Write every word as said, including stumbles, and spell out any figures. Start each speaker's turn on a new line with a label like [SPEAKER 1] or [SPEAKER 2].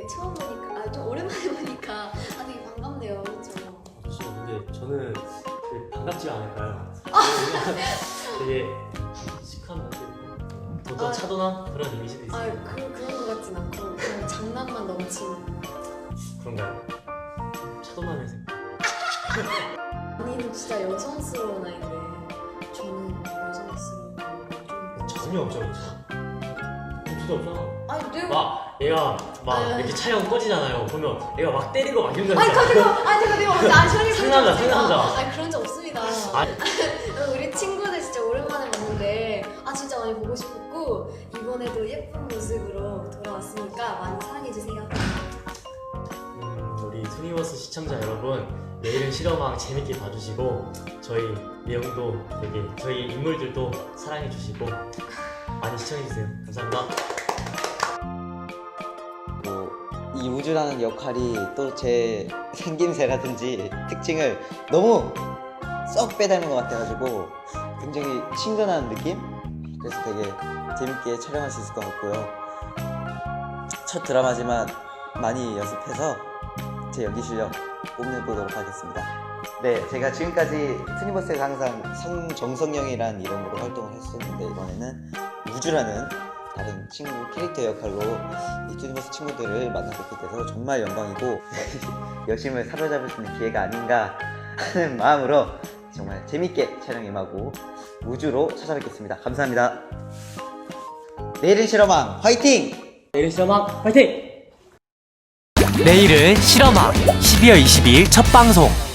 [SPEAKER 1] 처음 보니까, 아, 좀 오랜만에 보니까 아, 되게 반갑네요. 그렇죠?
[SPEAKER 2] 그렇죠. 근데 저는 되게 반갑지 않을까요? 되게 시크한 분들, 도전
[SPEAKER 1] 아,
[SPEAKER 2] 차도남 그런 이미지도 있어요.
[SPEAKER 1] 아, 그, 그런 것 같진 않고 그냥 장난만 넘치는.
[SPEAKER 2] 그런가요? 차도남의 생.
[SPEAKER 1] 언니는 진짜 여성스러운 아이인데 저는 여성스러운 좀
[SPEAKER 2] 전혀 없죠, 그렇죠? 전혀 없잖아.
[SPEAKER 1] 아니 내가
[SPEAKER 2] 막 얘가 막
[SPEAKER 1] 아,
[SPEAKER 2] 이렇게 촬영 꺼지잖아요. 보면 얘가 막 때리고 막 이런 거
[SPEAKER 1] 아니
[SPEAKER 2] 있잖아.
[SPEAKER 1] 가지고 아니 제가 내가 언제 아 저희
[SPEAKER 2] 상남자, 상남자.
[SPEAKER 1] 아니 그런 적 없습니다.
[SPEAKER 2] 아니.
[SPEAKER 1] 우리 친구들 진짜 오랜만에 봤는데 아 진짜 많이 보고 싶었고 이번에도 예쁜 모습으로 돌아왔으니까 많이 사랑해 주세요.
[SPEAKER 2] 음, 우리 투니버스 시청자 여러분, 내일은 실험왕 재밌게 봐주시고 저희 내용도 되게 저희 인물들도 사랑해 주시고 많이 시청해 주세요. 감사합니다.
[SPEAKER 3] 뭐, 이 우주라는 역할이 또 제 생김새라든지 특징을 너무 썩 빼닮은 것 같아가지고 굉장히 친근한 느낌? 그래서 되게 재밌게 촬영할 수 있을 것 같고요. 첫 드라마지만 많이 연습해서 제 연기 실력 뽐내보도록 하겠습니다. 네, 제가 지금까지 투니버스에서 항상 성정성영이라는 이름으로 활동을 했었는데 이번에는 우주라는 다른 친구 캐릭터 역할로 이 투니버스 친구들을 만나뵙게 돼서 정말 영광이고 여심을 사로잡을 수 있는 기회가 아닌가 하는 마음으로 정말 재밌게 촬영 임하고 우주로 찾아뵙겠습니다. 감사합니다. 내일은 실험왕 화이팅!
[SPEAKER 2] 내일은 실험왕 화이팅!
[SPEAKER 4] 내일은 실험왕 십이월 이십이일 첫 방송.